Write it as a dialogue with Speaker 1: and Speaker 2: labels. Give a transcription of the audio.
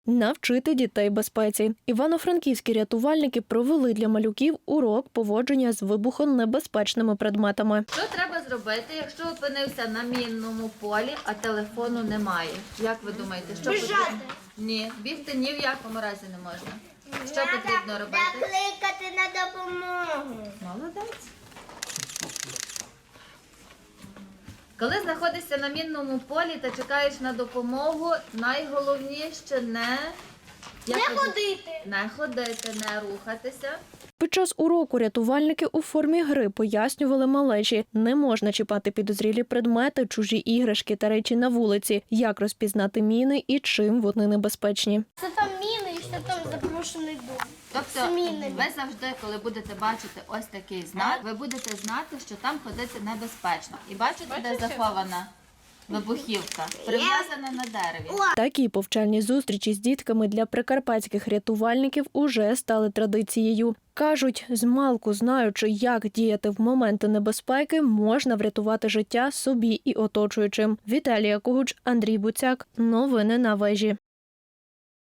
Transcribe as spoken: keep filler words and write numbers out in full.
Speaker 1: навчити дітей безпеці. Івано-франківські рятувальники провели для малюків урок поводження з вибухонебезпечними предметами.
Speaker 2: Що треба зробити, якщо опинився на мінному полі, а телефону немає? Як ви думаєте, що
Speaker 3: Біжати.
Speaker 2: потрібно? Ні, бігти ні в якому разі не можна. Що потрібно робити?
Speaker 3: Закликати на допомогу.
Speaker 2: Молодець. Коли знаходишся на мінному полі та чекаєш на допомогу, найголовніше не...
Speaker 3: Не
Speaker 2: Як ви-
Speaker 3: ходити.
Speaker 2: Не ходити, не рухатися.
Speaker 1: Під час уроку рятувальники у формі гри пояснювали малечі, не можна чіпати підозрілі предмети, чужі іграшки та речі на вулиці, як розпізнати міни і чим вони небезпечні.
Speaker 3: Це там міни і що там запрошений дом.
Speaker 2: Тобто
Speaker 3: З мінами.
Speaker 2: ви завжди, коли будете бачити ось такий знак, ви будете знати, що там ходити небезпечно. І бачите, де захована вибухівка? Прив'язана на дереві.
Speaker 1: Такі повчальні зустрічі з дітками для прикарпатських рятувальників уже стали традицією. Кажуть, змалку знаючи, як діяти в моменти небезпеки, можна врятувати життя собі і оточуючим. Віталія Когуч, Андрій Буцяк. Новини на вежі.